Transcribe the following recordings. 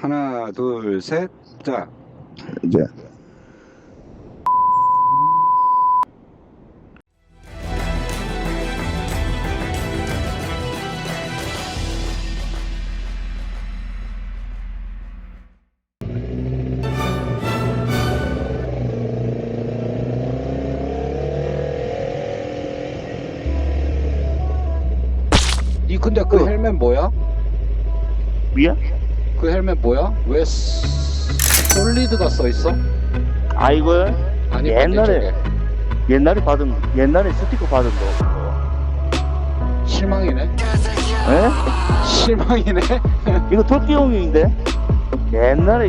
하나, 둘, 셋, 자. 이제 이 근데 그 헬멧 뭐야? 위야? 그 헬멧 뭐야? 왜 솔리드가 써 있어? 아 이거 아니 옛날에 옛날에 스티커 받은 거. 실망이네. 에? 실망이네. 이거 토끼용인데 옛날에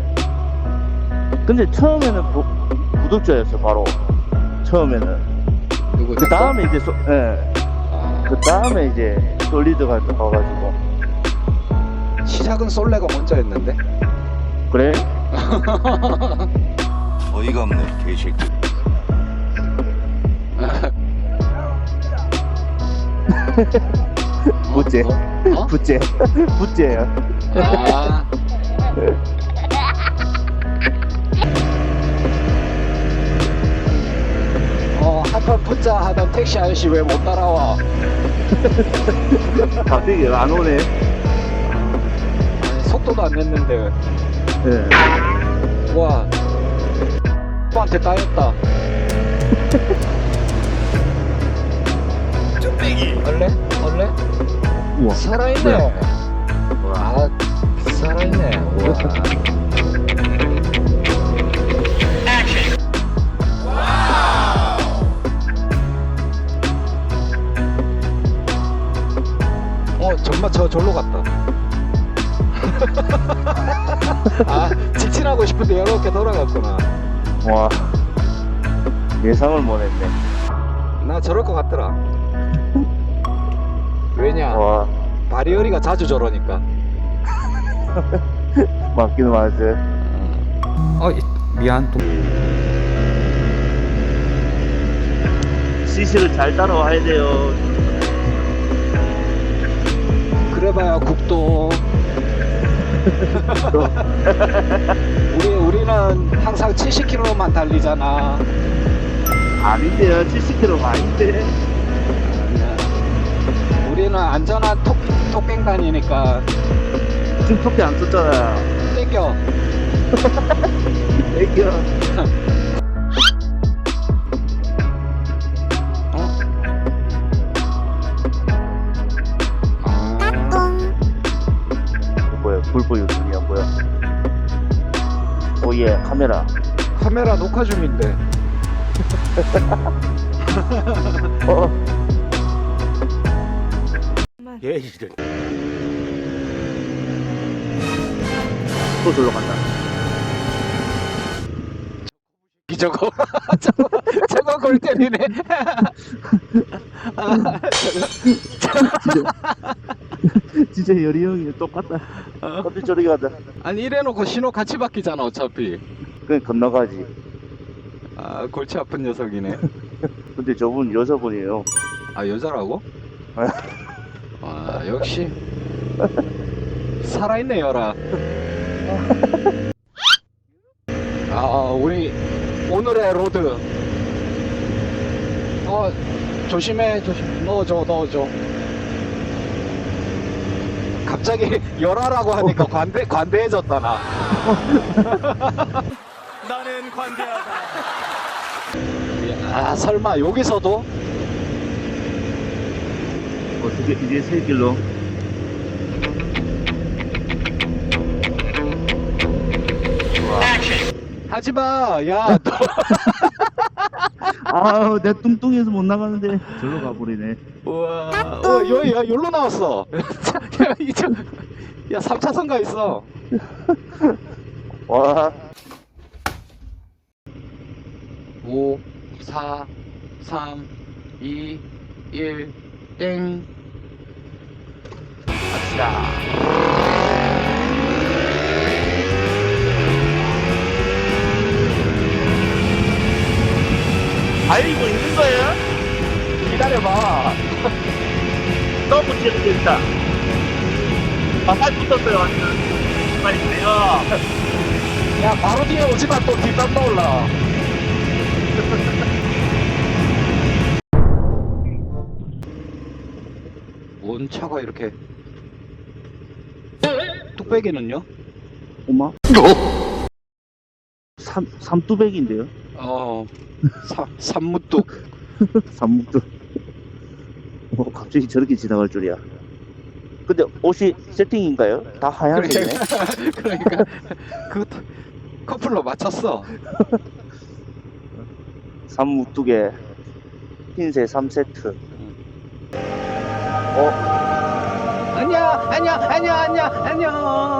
근데 처음에는 구독자였어 바로 처음에는. 누구? 그 다음에 이제 그 다음에 이제 솔리드가 나와가지고. 시작은 솔레가 먼저였는데. 그래? 어이가 없네 개새끼. 부째 어? 부째 부째야. 아. 한판 붙자 하던 택시 아저씨 왜 못 따라와? 갑자기 안 오네. 아니, 속도도 안 냈는데. 예. 와. 오빠한테 따였다. 얼레? 얼레? 우와. 살아있네. 와, 살아있네. 우와. 정말 절로 갔다. 아, 직진하고 싶은데 이렇게 돌아갔구나. 와 예상을 못했네. 나 저럴 것 같더라. 왜냐? 와 바리어리가 자주 저러니까. 맞기는 맞지. 미안. 또. CC를 잘 따라와야 돼요. 그래봐야 국도. 우리는 항상 70km만 달리잖아. 아닌데요, 70km 아닌데. 우리는 안전한 톡뱅 다니니까. 지금 토끼 안 썼잖아. 땡겨. 애기야. 뭐야, 불보 유튜브야 뭐야? 오예, 카메라. 카메라 녹화 중인데. 예, 이래. 또 절로 간다. 저거 저거 골 때리네. 진짜 열이 형이 똑같다. 어디 저리 가다. 아니 이래놓고 신호 같이 바뀌잖아 어차피. 그냥 건너가지. 아 골치 아픈 녀석이네. 근데 저분 여자분이에요. 아 여자라고? 아 역시 살아있네 여라. 우리 오늘의 로드. 조심해. 넣어줘. 갑자기 열하라고 하니까 관대해졌다 나. 나는 관대하다. 아 설마 여기서도? 어떻게 이제 새 길로? 하지마. 야 너. 아, 내 뚱뚱해서 못 나가는데 절로 가버리네. 우와. 여기로 나왔어. 야 3차선 가 있어. 와, 5 4 3 2 1 땡. 아싸. 달리고 있는 거예요? 기다려봐. 너무 재밌겠다. 아, 살 붙었어요, 완전. 빨리 내려. 야 바로 뒤에 오지마 또 뒷담 나올라. 뭔 차가 이렇게 뚝배기는요? 엄마? 삼두백인데요? 산무뚝. 삼묵도. 갑자기 저렇게 지나갈 줄이야. 근데 옷이 세팅인가요? 다 하얀색이네. 그러니까 그 커플로 맞췄어. 삼묵두개 흰색 3세트. 안녕.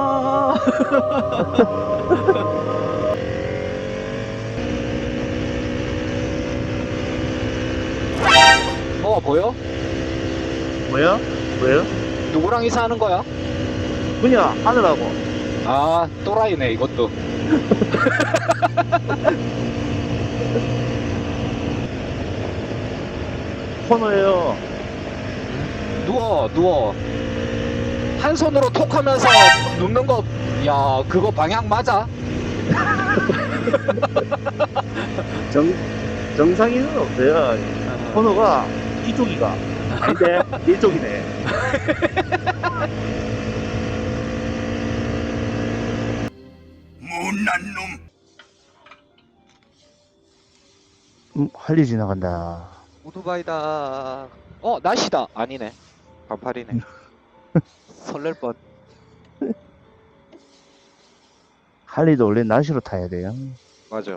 보여? 뭐야? 왜요? 누구랑 이사하는 거야? 그냥 하느라고. 아 또라이네 이것도. 코너예요. 누워. 한 손으로 톡 하면서 눕는 거, 야, 그거 방향 맞아? 정상이는 없어요. 코너가 이쪽이가. 아닌데, 이쪽이네. 못난 놈. 할리 지나간다. 오토바이다. 날씨다. 아니네. 반팔이네. 설렐 뻔. 할리도 원래 날씨로 타야 돼요. 맞아.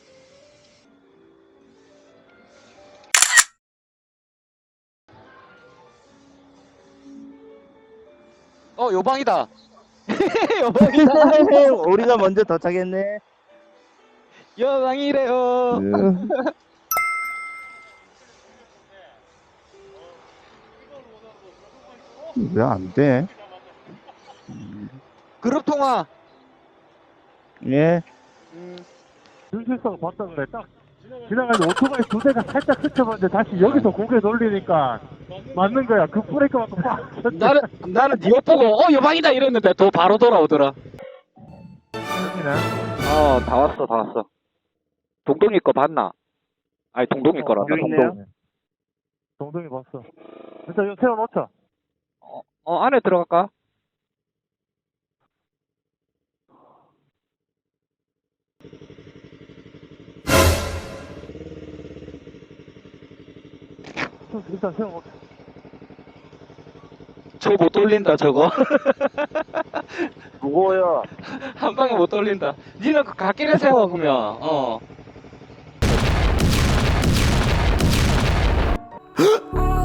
요방이다. 요방이다. 우리가 먼저 도착했네. 요방이래요. 왜 안 돼? 그룹 통화. 예. 눈실성 봤다 그래. 딱 지나가는데 오토바이 두 대가 살짝 스쳐봤는데 다시 여기서 고개 돌리니까 맞는 거야. 그 브레이크 맞고 빡. 나는 니옷 보고 요방이다 이랬는데 또 바로 돌아오더라. 여기네. 다 왔어. 동동이 거 봤나? 아니 동동이 거란다. 여기 있네요. 동동. 동동이 봤어. 일단 이거 세워놓자. 안에 들어갈까? 일단 세워놓자. 저거 못 돌린다 저거. 무거워요. 한 방에 못 돌린다. 니는 그 갓길에 세워 보면.